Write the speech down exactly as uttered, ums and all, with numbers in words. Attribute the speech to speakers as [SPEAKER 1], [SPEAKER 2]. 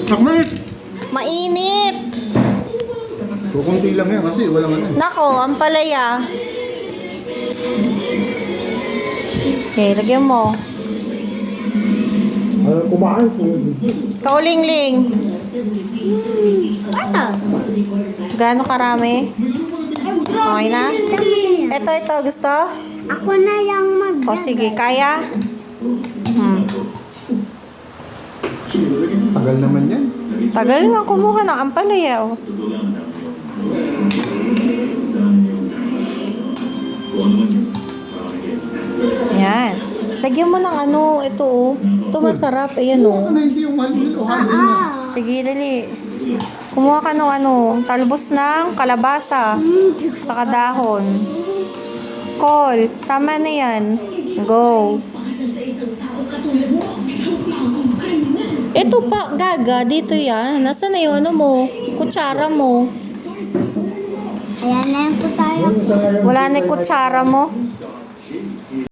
[SPEAKER 1] Sakmait!
[SPEAKER 2] Mainit.
[SPEAKER 1] Kukunti lang yan kasi walang ano.
[SPEAKER 2] Nako, ang palaya. Okay, lagyan mo.
[SPEAKER 1] Uh, kumain po.
[SPEAKER 2] Kaulingling.
[SPEAKER 3] Ano?
[SPEAKER 2] Gaano karami? Okay na? Ito, ito. Gusto?
[SPEAKER 3] Ako na yung mag...
[SPEAKER 2] O sige, kaya? Hmm.
[SPEAKER 1] Tagal naman yan.
[SPEAKER 2] Tagal nga kumuha ng ampalaya. Oh. Yan. Lagyan mo ng ano, ito oh. Ito masarap. Ayan oh.
[SPEAKER 1] Ano hindi yung mali nito?
[SPEAKER 3] Ah,
[SPEAKER 2] Sige, dali. Kumuha ka ng ano, talbos ng kalabasa. Saka dahon. Call. Tama na yan. Go. Ito pa, gaga. Dito yan. Nasaan na yung ano mo? Kutsara mo.
[SPEAKER 3] ayan na yung po tayo.
[SPEAKER 2] Wala na yung kutsara mo.